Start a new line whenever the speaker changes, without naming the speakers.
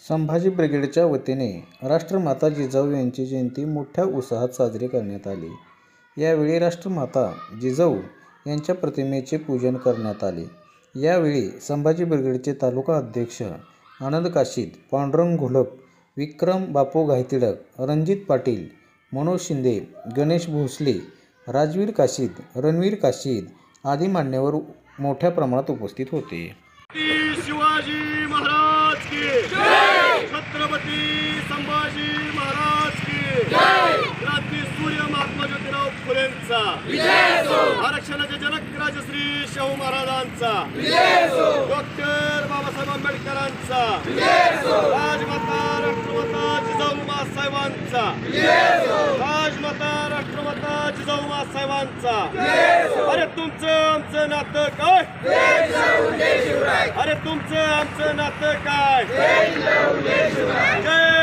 संभाजी ब्रिगेडच्या वतीने राष्ट्रमाता जिजाऊ यांची जयंती मोठ्या उत्साहात साजरी करण्यात आली। यावेळी राष्ट्रमाता जिजाऊ यांच्या प्रतिमेचे पूजन करण्यात आले। यावेळी संभाजी ब्रिगेडचे तालुका अध्यक्ष आनंद काशीद, पांडुरंग घोलप, विक्रम बापू घायतिडक, रणजित पाटील, मनोज शिंदे, गणेश भोसले, राजवीर काशीद, रणवीर काशीद आदी मान्यवर मोठ्या प्रमाणात उपस्थित होते।
शिवाजी महाराज की जय, छत्रपती संभाजी महाराज की जय, क्रांती सूर्य महात्मा ज्योतिराव फुलेंचा विजय असो, आरक्षणाचे जनक राजश्री शाहू महाराजांचा विजय असो, डॉक्टर बाबासाहेब आंबेडकरांचा विजय असो, राजमाता राष्ट्रमाता जिजाऊ साहेबांचा विजय असो, राजमाता राष्ट्रमाता जिजाऊ साहेबांचा विजय असो। अरे तुमचं आमचं नातं काय? अरे तुमचं आमचं नातं काय? जय